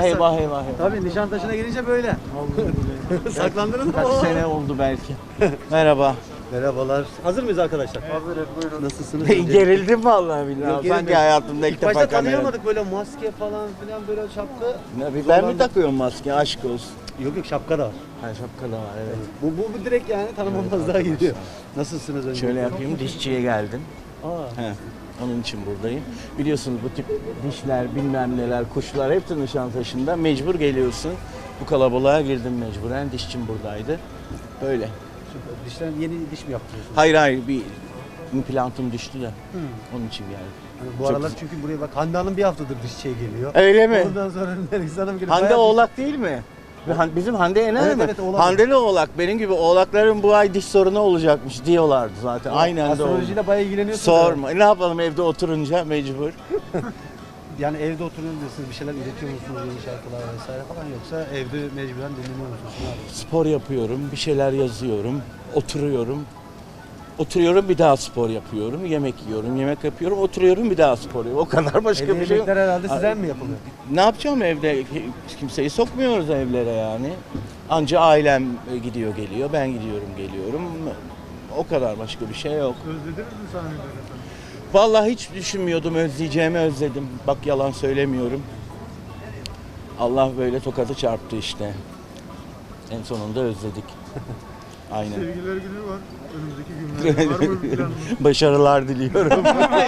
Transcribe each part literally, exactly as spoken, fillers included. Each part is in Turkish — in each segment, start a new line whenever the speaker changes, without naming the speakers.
Eyvah eyvah eyvah.
Tabii Nişantaşı'na gelince böyle. Saklandınız mı?
Kaç sene oldu belki. Merhaba.
Merhabalar. Hazır mıyız arkadaşlar? Hazırız, buyurun. Nasılsınız?
Gerildim vallahi billahi.
Yok,
Sanki
gerilmedim.
hayatımda ilk
İlk
defa
başta
kamera.
tanıyamadık, böyle maske falan filan, böyle şapka.
Ne, Ben mi
Zorlandık.
takıyorum maske? Aşk olsun.
Yok yok, şapka da var.
Ha, şapka da var evet.
Bu, bu, bu direkt yani tanımamaz daha gidiyor. Nasılsınız önce?
Şöyle yapayım, dişçiye geldim.
Aa.
He, onun için buradayım. Biliyorsunuz bu tip dişler, bilmem neler, kuşlar hepsi Nişantaşı'nda. Mecbur geliyorsun. Bu kalabalığa girdim mecburen. Dişçim buradaydı. Böyle.
Süper. Dişten yeni diş mi yaptırıyorsunuz?
Hayır hayır, bir implantım düştü de. Onun için geldim.
Hani bu
Çok
aralar
güzel.
çünkü buraya bak, Hande Hanım bir haftadır dişçiye geliyor.
Öyle mi?
Ondan sonra Nergis Hanım geliyor.
Hande
Bayağı
Oğlak değil mi? Han- Bizim Hande Yener
Evet,
mi?
evet, Oğlak.
Handeli Oğlak. Benim gibi oğlakların bu ay diş sorunu olacakmış diyorlardı zaten. Aynen de oldu.
Astrolojiyle bayağı ilgileniyorsunuz.
Sorma. E, Ne yapalım evde oturunca mecbur.
Yani evde oturuyorsunuz, siz bir şeyler üretiyor musunuz, yeni şarkılar vesaire falan, yoksa evde mecburen dinleniyor musunuz? Ne yapıyorsunuz?
Spor yapıyorum, bir şeyler yazıyorum, oturuyorum. Oturuyorum bir daha spor yapıyorum, yemek yiyorum, yemek yapıyorum, oturuyorum bir daha spor yapıyorum. O kadar başka
Evde
bir şey yok.
yemekler herhalde size mi yapılıyor?
Ne yapacağım evde? Kimseyi sokmuyoruz evlere yani. Anca ailem gidiyor geliyor, ben gidiyorum geliyorum. O kadar, başka bir şey yok.
Özlediniz mi sahneleri efendim?
Vallahi hiç düşünmüyordum, özleyeceğimi özledim. Bak yalan söylemiyorum. Allah böyle tokadı çarptı işte. En sonunda özledik. Aynen.
Sevgililer günü var. Önümüzdeki günlerde var mı bir planınız?
Başarılar diliyorum.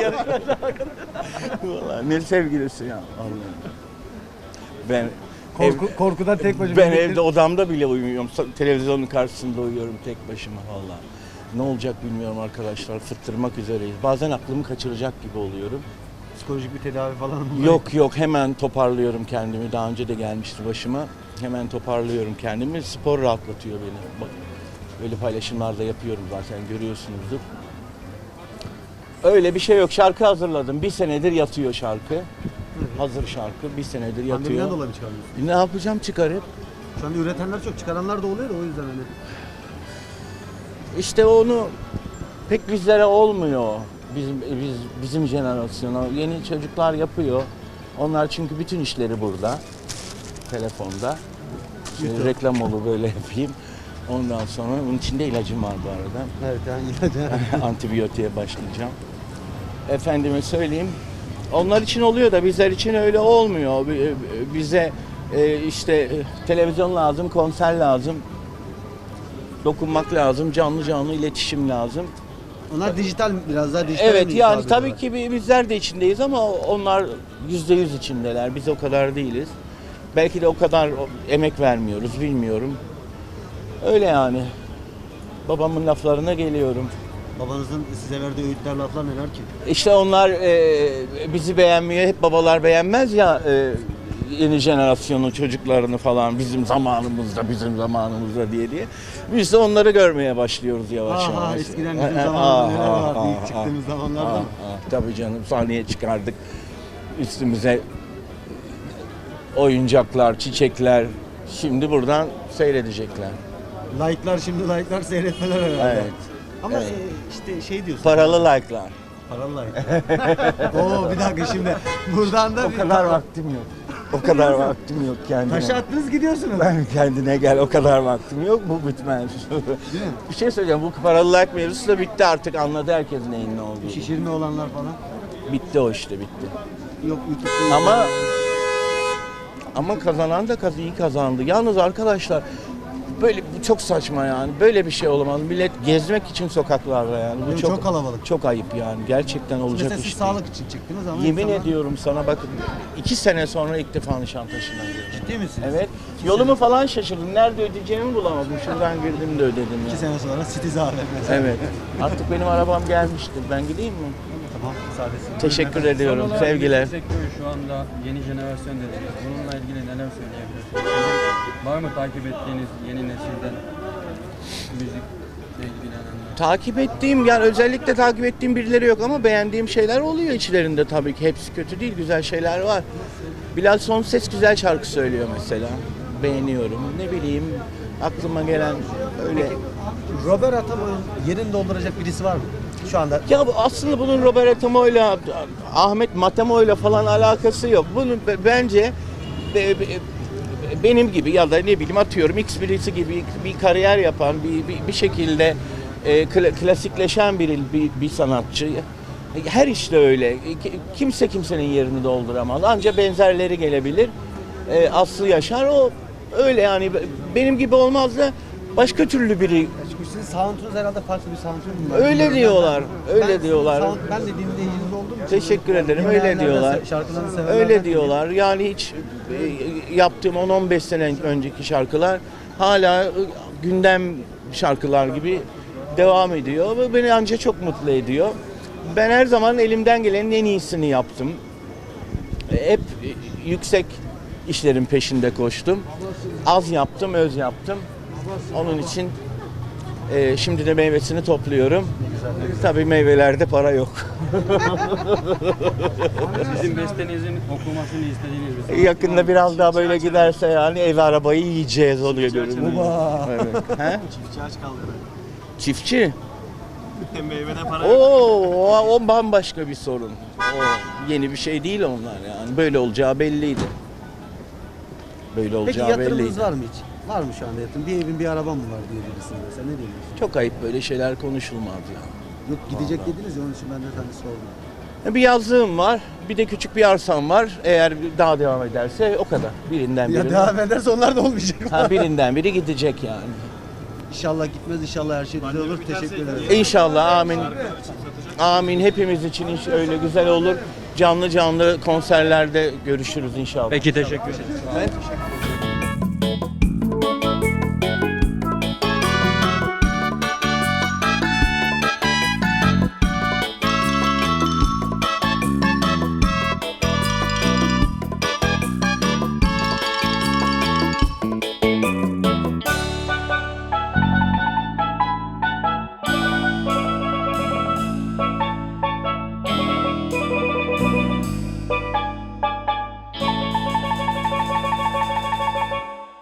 Vallahi ne sevgilisi ya. Vallahi. Ben
Korku,
ev-
korkudan tek başına.
ben
bekle-
evde odamda bile uyumuyorum. Sa- Televizyonun karşısında uyuyorum tek başıma vallahi. Ne olacak bilmiyorum arkadaşlar. Fıttırmak üzereyiz. Bazen aklımı kaçıracak gibi oluyorum.
Psikolojik bir tedavi falan mı?
Yok yok, hemen toparlıyorum kendimi. Daha önce de gelmişti başıma. Hemen toparlıyorum kendimi. Spor rahatlatıyor beni. Bak, böyle paylaşımlarda yapıyorum zaten, görüyorsunuzdur. Öyle bir şey yok. Şarkı hazırladım. Bir senedir yatıyor şarkı. Hazır şarkı. Bir senedir
Pandemiden
yatıyor.
dolayı mı çıkarıyorsunuz?
Ne yapacağım, çıkarıp?
Şu anda üretenler çok, çıkaranlar da oluyor da o yüzden hani.
İşte onu pek bizlere olmuyor. Bizim biz bizim jenerasyona. Yeni çocuklar yapıyor. Onlar çünkü bütün işleri burada. Telefonda. Şimdi reklam olur böyle yapayım. Ondan sonra bunun içinde ilacım var bu arada.
Evet yani ilacı.
Antibiyotiğe başlayacağım. Efendime söyleyeyim. Onlar için oluyor da bizler için öyle olmuyor. Bi- Bize e, işte e, televizyon lazım, konser lazım. Dokunmak lazım, canlı canlı iletişim lazım.
Onlar dijital, biraz daha dijital.
Evet
mi
yani
hitap
tabii
ediyorlar?
ki bi- bizler de içindeyiz ama onlar yüzde yüz içindeler. Biz o kadar değiliz. Belki de o kadar o- emek vermiyoruz, bilmiyorum. Öyle yani. Babamın laflarına geliyorum.
Babanızın size verdiği öğütler, laflar neler ki?
İşte onlar e, bizi beğenmiyor. Hep babalar beğenmez ya e, yeni jenerasyonun çocuklarını falan, bizim zamanımızda, bizim zamanımızda diye diye. Biz de onları görmeye başlıyoruz yavaş
Aha,
yavaş.
eskiden bizim
E, e,
zamanımızda neler
ah,
vardı
ah,
ilk
ah,
çıktığımız
ah,
zamanlarda
ah,
mı?
ah, Tabii canım, sahneye çıkardık. Üstümüze oyuncaklar, çiçekler. Şimdi buradan seyredecekler.
Like'lar, şimdi like'lar, seyretmeler herhalde.
Evet.
Ama
Evet.
e, işte şey diyorsun.
Paralı like'lar.
Paralı like. Oo bir dakika şimdi. Buradan da
O
bir
kadar vaktim yok. O kadar vaktim yok kendime.
taşı attınız, gidiyorsunuz.
Ben kendine gel, o kadar vaktim yok, bu bitmez.
Değil mi?
Bir şey söyleyeceğim, bu paralı like mevzusu da bitti artık, anladı herkes neyin ne olduğunu.
Şişirme olanlar falan.
Bitti o işte, bitti.
Yok YouTube'da.
Ama ama kazanan da kaz iyi kazandı. Yalnız arkadaşlar, böyle bu çok saçma yani. Böyle bir şey olamaz. Millet gezmek için sokaklarda yani. Bu
Yok,
çok
çok kalabalık.
Çok ayıp yani. Gerçekten olacak
Mesela
iş
siz
değil.
sağlık için çıktınız ama
Yemin
insanlar-
ediyorum sana, bakın iki sene sonra ilk defa Nişantaşı'na girdim.
Ciddi misiniz?
Evet. Yolumu falan şaşırdım. Nerede ödeyeceğimi bulamadım. Şuradan girdim de ödedim ya.
İki sene sonra Citiz A V M mesela.
Evet. Artık benim arabam gelmiştir. Ben gideyim mi?
Tamam, müsaadesi.
Teşekkür ediyorum.
Son olarak
Sevgiler.
müzik sektörü şu anda yeni jenerasyon dediniz. Bununla ilgili neler söyleyebilirsiniz? Sizin var mı takip ettiğiniz yeni nesilden müzikle ilgilenenler?
Takip ettiğim, yani özellikle takip ettiğim birileri yok ama beğendiğim şeyler oluyor içlerinde tabii ki. Hepsi kötü değil, güzel şeyler var. Bilal Sonses güzel şarkı söylüyor mesela. Beğeniyorum. Ne bileyim, aklıma gelen öyle.
Robert Atamoy'un yerini dolduracak birisi var mı? Şu anda.
Ya bu aslında bunun Robert Atamo'yla, Ahmet Matamo'yla falan alakası yok. Bunun b- bence be- be- benim gibi ya da ne bileyim atıyorum X birisi gibi bir kariyer yapan bir bir, bir şekilde e, kla- klasikleşen bir, bir bir sanatçı. Her işte öyle. Ki- Kimse kimsenin yerini dolduramaz. Anca benzerleri gelebilir. E, Aslı Yaşar o öyle yani benim gibi olmaz da başka türlü biri.
Çünkü sizin sound'unuz herhalde farklı bir sound'unuz var.
Öyle diyorlar. Öyle
Ben
diyorlar.
sound- ben de dinleyiciniz olduğum için.
Teşekkür ederim. Öyle
dinleyenlerden,
diyorlar.
şarkılarını sevenlerden
Öyle
dinliyorum.
diyorlar. Yani hiç e, yaptığım on on beş sene önceki şarkılar hala e, gündem şarkılar gibi devam ediyor ve beni ancak çok mutlu ediyor. Ben her zaman elimden gelenin en iyisini yaptım. E, Hep e, yüksek işlerin peşinde koştum. Az yaptım, öz yaptım. Onun için e, şimdi de meyvesini topluyorum. Tabii meyvelerde para yok.
Sizin bestenizin okumasını istediğiniz bir sanatçı var
Yakında
mı?
biraz daha böyle giderse yani ev arabayı yiyeceğiz oluyor görünüyor.
Baba.
Evet. He?
Çiftçi aç kaldı.
Çiftçi.
Meyvede para
Oo, o, o bambaşka bir sorun. O yeni bir şey değil onlar yani. Böyle olacağı belliydi. Böyle
Peki
olacağı
yatırımınız
belliydi.
var mı hiç? Var mı şu anda yatırım? Bir evin bir arabam mı var diyebilirsiniz mesela. Ne diyorsunuz?
Çok ayıp böyle şeyler konuşulmaz ya.
Yok gidecek dediniz ya onun için ben de hani sordum.
Bir yazlığım var, bir de küçük bir arsam var. Eğer daha devam ederse o kadar. Birinden
Ya
biri.
devam ederse onlar da olmayacak.
Ha, birinden biri gidecek yani.
İnşallah gitmez, inşallah her şey güzel olur. Teşekkür ederim.
İnşallah amin. Amin hepimiz için iş öyle güzel olur. Canlı canlı konserlerde görüşürüz inşallah.
Peki teşekkür ederim.
Ben teşekkür